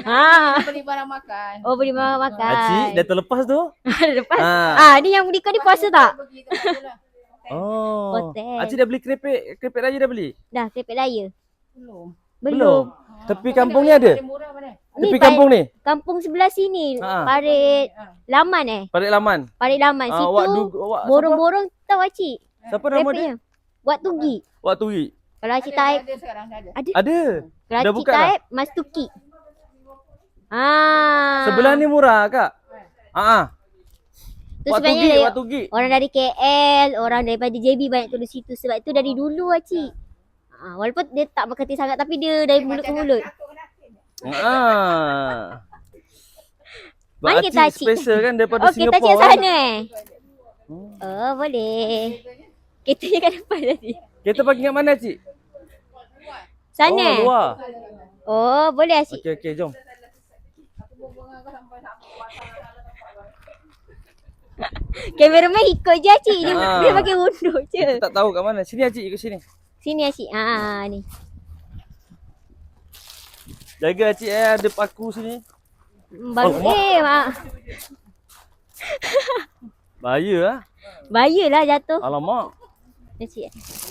Beli barang makan. Oh, beli makan. Acik dah terlepas tu. Lepas. Ah. Ni yang beli kau ni puasa tak? Oh. Hotel. Acik dah beli keripik raya dah beli? Dah, keripik raya. Belum. Tepi kampung ni ada? Tepi kampung ni? Kampung sebelah sini. Ha. Parit Laman Parit Laman. Parit Laman. Situ borong-borong tahu Acik. Siapa nama dia? Keripiknya. Wak Tugi. Wak Turi. Kalau Acik type Ada sekarang dah ada. ada. Ada. Kalau Dah Acik buka dah. type Mas Tuki. Sebelah ni murah kak. Tu Wak sebenarnya Tugi, Wak Tugi. orang dari KL, orang daripada JB banyak turun situ sebab tu dari dulu Acik. Walaupun dia tak berkati sangat tapi dia dari mulut ke mulut. Mari kita Acik. Special kan daripada kita Singapore. Acik sana Oh, boleh. Kereta kat depan tadi. Kereta parking kat mana Cik? Sana. Oh, luar. Oh, boleh Acik. Okey, jom. Kameraman ikut je Acik. Dia pakai undur je. Kita tak tahu kat mana. Sini Acik, ikut sini. Sini Acik. Ni. Jaga Acik ada paku sini. Baru Bahaya lah. Bahayalah jatuh. Alamak. Acik.